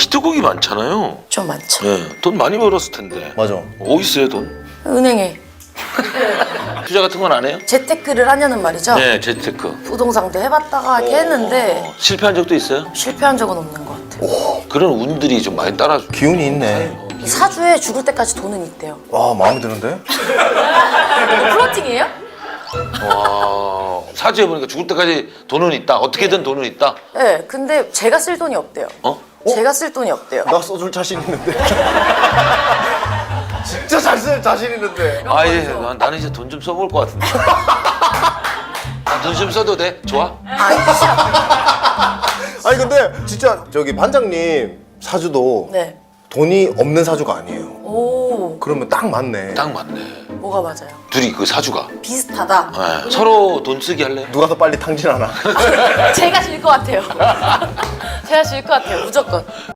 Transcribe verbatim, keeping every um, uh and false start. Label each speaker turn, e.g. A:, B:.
A: 히트곡이 많잖아요.
B: 좀 많죠.
A: 네, 돈 많이 벌었을 텐데.
C: 맞아.
A: 어디 있어요 돈?
B: 은행에
A: 투자 같은 건 안 해요?
B: 재테크를 하냐는 말이죠.
A: 네, 재테크.
B: 부동산도 해봤다가 이렇게 했는데
A: 어, 실패한 적도 있어요?
B: 실패한 적은 없는 것 같아요.
A: 그런 운들이 좀 많이 따라줘.
C: 기운이 있네.
B: 사주에 죽을 때까지 돈은 있대요.
C: 와, 마음에 드는데?
B: 플러팅이에요?
A: 와, 사주에 보니까 죽을 때까지 돈은 있다. 어떻게든 돈은 있다.
B: 네, 근데 제가 쓸 돈이 없대요.
A: 어?
B: 제가 쓸 돈이 없대요.
C: 나 써줄 자신 있는데. 진짜 잘 쓸 자신 있는데.
A: 아, 예, 난- 나는 이제 돈 좀 써볼 것 같은데. 돈 좀 써도 돼? 좋아?
C: 아니 근데 진짜 저기 반장님 사주도
B: 네.
C: 돈이 없는 사주가 아니에요.
B: 오,
C: 그러면 딱 맞네.
A: 딱 맞네.
B: 뭐가 맞아요?
A: 둘이 그 사주가.
B: 비슷하다.
A: 네. 서로 돈 쓰기 할래?
C: 누가 더 빨리 탕진하나?
B: 제가 질 것 같아요. 제가 질 것 같아요, 무조건.